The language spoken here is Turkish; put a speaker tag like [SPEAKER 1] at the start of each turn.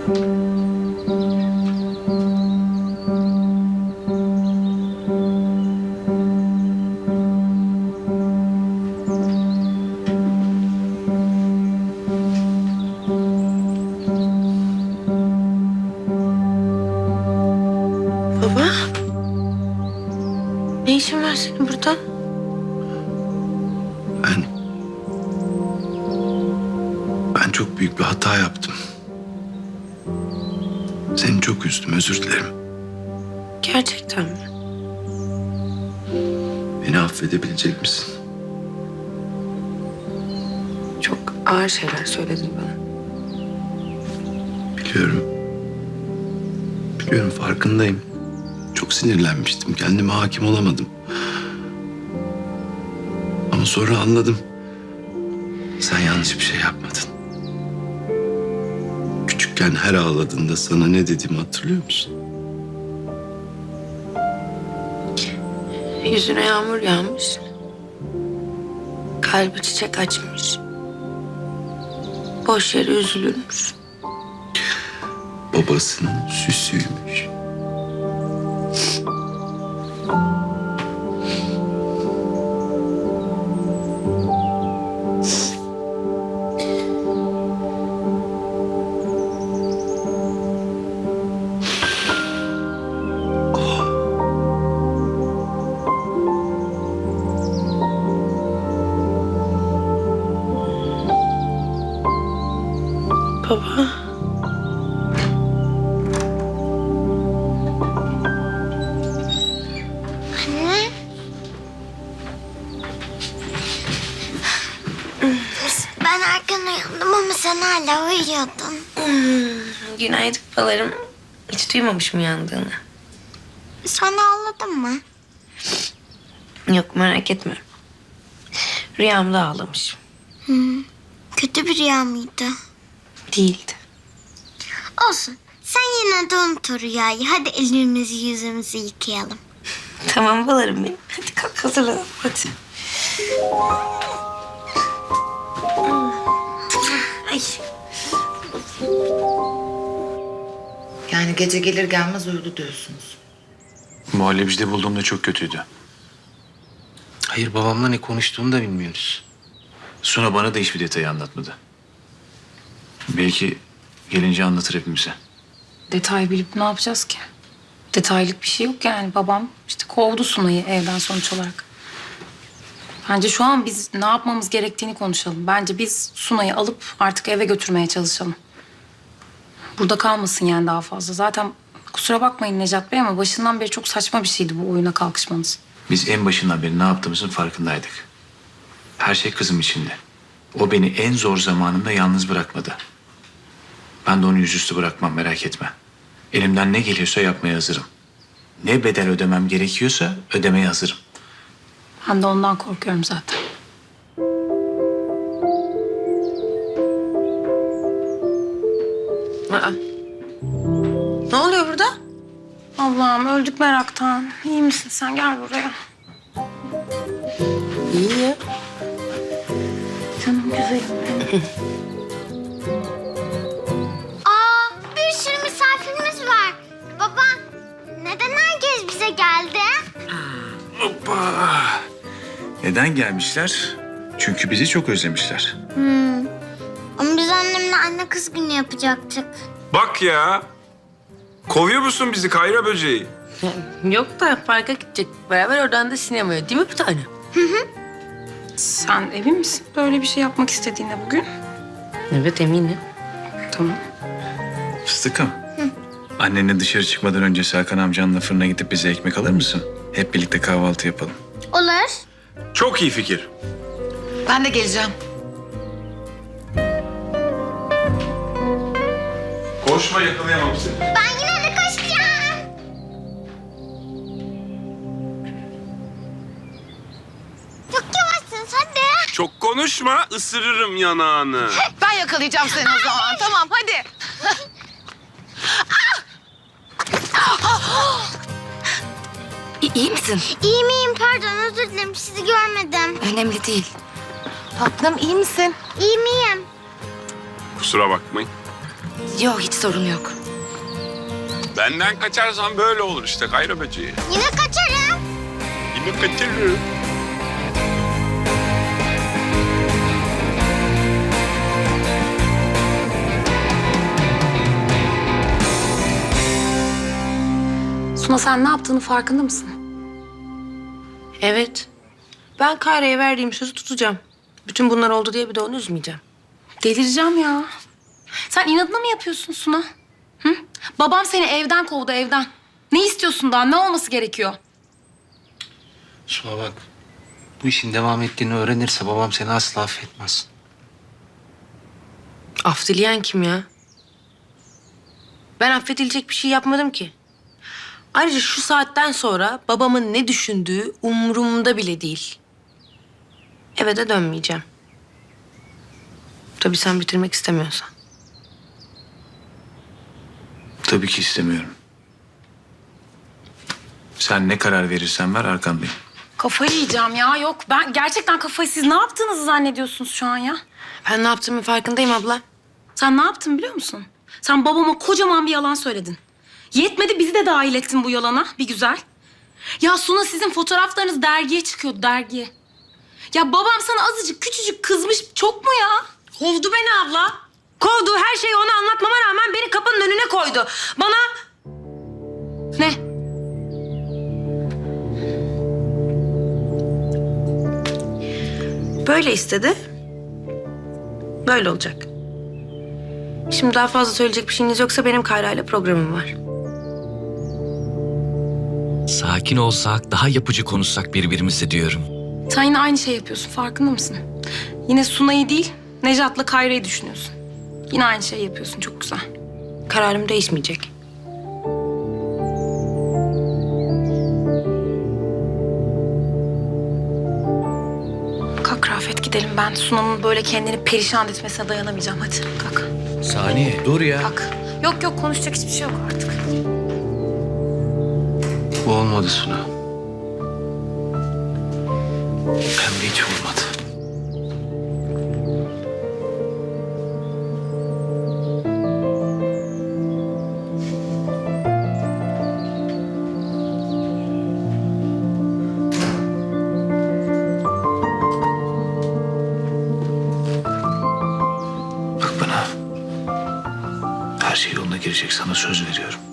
[SPEAKER 1] Baba, ne işin var senin burada?
[SPEAKER 2] Ben çok büyük bir hata yaptım. Seni çok üzdüm, özür dilerim.
[SPEAKER 1] Gerçekten mi?
[SPEAKER 2] Beni affedebilecek misin?
[SPEAKER 1] Çok ağır şeyler söyledin bana.
[SPEAKER 2] Biliyorum. Biliyorum, farkındayım. Çok sinirlenmiştim, kendime hakim olamadım. Ama sonra anladım. Sen yanlış bir şey yapmadın. Küçükken her ağladığında sana ne dediğimi hatırlıyor musun?
[SPEAKER 1] Yüzüne yağmur yağmış. Kalbi çiçek açmış. Boş yere üzülürmüş.
[SPEAKER 2] Babasının süsüymüş.
[SPEAKER 1] Baba.
[SPEAKER 3] Anne. Ben erken uyandım ama sen hala uyuyordun.
[SPEAKER 1] Günaydın babalarım. Hiç duymamışım uyandığını.
[SPEAKER 3] Sonra ağladın mı?
[SPEAKER 1] Yok, merak etme. Rüyamda ağlamışım.
[SPEAKER 3] Kötü bir rüya mıydı?
[SPEAKER 1] Değildi.
[SPEAKER 3] Olsun. Sen yine de unut o rüyayı. Hadi ellerimizi yüzümüzü yıkayalım.
[SPEAKER 1] Tamam babalarım benim. Hadi kalk hazırlanalım hadi. Ay.
[SPEAKER 4] Yani gece gelir gelmez uyudu diyorsunuz.
[SPEAKER 5] Muhallebicide bulduğumda çok kötüydü.
[SPEAKER 2] Hayır, babamla ne konuştuğunu da bilmiyoruz.
[SPEAKER 5] Suna bana da hiçbir detayı anlatmadı. Belki gelince anlatır hepimize.
[SPEAKER 6] Detay bilip ne yapacağız ki? Detaylık bir şey yok yani. Babam işte kovdu Sunay'ı evden sonuç olarak. Bence şu an biz ne yapmamız gerektiğini konuşalım. Bence biz Sunay'ı alıp artık eve götürmeye çalışalım. Burada kalmasın yani daha fazla. Zaten kusura bakmayın Necat Bey ama başından beri çok saçma bir şeydi bu oyuna kalkışmanız.
[SPEAKER 5] Biz en başından beri ne yaptığımızın farkındaydık. Her şey kızım içinde. O beni en zor zamanımda yalnız bırakmadı. Ben de onu yüzüstü bırakmam, merak etme. Elimden ne geliyorsa yapmaya hazırım. Ne bedel ödemem gerekiyorsa ödemeye hazırım.
[SPEAKER 6] Ben de ondan korkuyorum zaten.
[SPEAKER 1] Aa. Ne oluyor burada?
[SPEAKER 6] Allah'ım öldük meraktan. İyi misin sen? Gel buraya.
[SPEAKER 1] İyi ya.
[SPEAKER 6] Canım güzelim benim.
[SPEAKER 3] Aa, bir sürü misafirimiz var. Baba, neden herkes bize geldi?
[SPEAKER 5] Hoppa! Neden gelmişler? Çünkü bizi çok özlemişler.
[SPEAKER 3] Ama biz annemle anne kız günü yapacaktık.
[SPEAKER 7] Bak ya. Kovuyor musun bizi Kayra böceği?
[SPEAKER 1] Yok da parka gidecek. Beraber oradan da sinemaya. Değil mi bir tane?
[SPEAKER 6] Sen emin misin böyle bir şey yapmak istediğine bugün?
[SPEAKER 1] Evet, eminim.
[SPEAKER 6] Tamam.
[SPEAKER 5] Fıstıkım. Annenle dışarı çıkmadan önce Serkan amcanla fırına gidip bize ekmek alır mısın? Hep birlikte kahvaltı yapalım.
[SPEAKER 3] Olur.
[SPEAKER 7] Çok iyi fikir.
[SPEAKER 4] Ben de geleceğim.
[SPEAKER 7] Koşma, yakalayamam seni.
[SPEAKER 3] Ben yine de koşacağım. Çok yavaşsın hadi.
[SPEAKER 7] Çok konuşma, ısırırım yanağını.
[SPEAKER 4] Ben yakalayacağım seni o zaman. Tamam hadi.
[SPEAKER 8] İyi misin?
[SPEAKER 3] İyi miyim? Pardon, özür dilerim. Sizi görmedim.
[SPEAKER 8] Önemli değil.
[SPEAKER 4] Tatlım iyi misin?
[SPEAKER 3] İyi miyim?
[SPEAKER 7] Kusura bakmayın.
[SPEAKER 8] Yok, hiç sorun yok.
[SPEAKER 7] Benden kaçarsan böyle olur işte Kayra böceği.
[SPEAKER 3] Yine kaçarım.
[SPEAKER 7] Yine kaçırırım.
[SPEAKER 6] Suna sen ne yaptığını farkında mısın?
[SPEAKER 1] Evet. Ben Kayra'ya verdiğim sözü tutacağım. Bütün bunlar oldu diye bir de onu üzmeyeceğim.
[SPEAKER 6] Delireceğim ya. Sen inadına mı yapıyorsun Suna? Hı? Babam seni evden kovdu, evden. Ne istiyorsun daha? Ne olması gerekiyor?
[SPEAKER 2] Suna bak. Bu işin devam ettiğini öğrenirse babam seni asla affetmez.
[SPEAKER 1] Af dileyen kim ya? Ben affedilecek bir şey yapmadım ki. Ayrıca şu saatten sonra babamın ne düşündüğü umurumda bile değil. Eve de dönmeyeceğim. Tabii sen bitirmek istemiyorsan.
[SPEAKER 5] Tabii ki istemiyorum. Sen ne karar verirsen ver arkandayım.
[SPEAKER 6] Kafayı yiyeceğim ya. Yok ben gerçekten kafayı... Siz ne yaptığınızı zannediyorsunuz şu an ya?
[SPEAKER 1] Ben ne yaptığımın farkındayım abla.
[SPEAKER 6] Sen ne yaptın biliyor musun? Sen babama kocaman bir yalan söyledin. Yetmedi bizi de dahil ettin bu yalana bir güzel. Ya Suna sizin fotoğraflarınız dergiye çıkıyordu, dergiye. Ya babam sana azıcık küçücük kızmış, çok mu ya?
[SPEAKER 1] Kovdu beni abla. Kovdu. Her şeyi ona anlatmama rağmen beni kapının önüne koydu. Bana...
[SPEAKER 6] Ne?
[SPEAKER 1] Böyle istedi. Böyle olacak. Şimdi daha fazla söyleyecek bir şeyiniz yoksa benim Kayra'yla programım var.
[SPEAKER 9] Sakin olsak, daha yapıcı konuşsak birbirimize diyorum.
[SPEAKER 6] Sen yine aynı şey yapıyorsun, farkında mısın? Yine Suna'yı değil, Nejat'la Kayra'yı düşünüyorsun. Yine aynı şey yapıyorsun, çok güzel.
[SPEAKER 1] Kararım değişmeyecek.
[SPEAKER 6] Kalk Rafet gidelim. Ben Suna'nın böyle kendini perişan etmesine dayanamayacağım. Hadi kalk.
[SPEAKER 9] Saniye, dur ya.
[SPEAKER 6] Kalk. Yok yok konuşacak hiçbir şey yok artık.
[SPEAKER 2] Bu olmadı Suna. Hem de hiç olmadı.
[SPEAKER 5] Bak bana. Her şey yoluna girecek, sana söz veriyorum.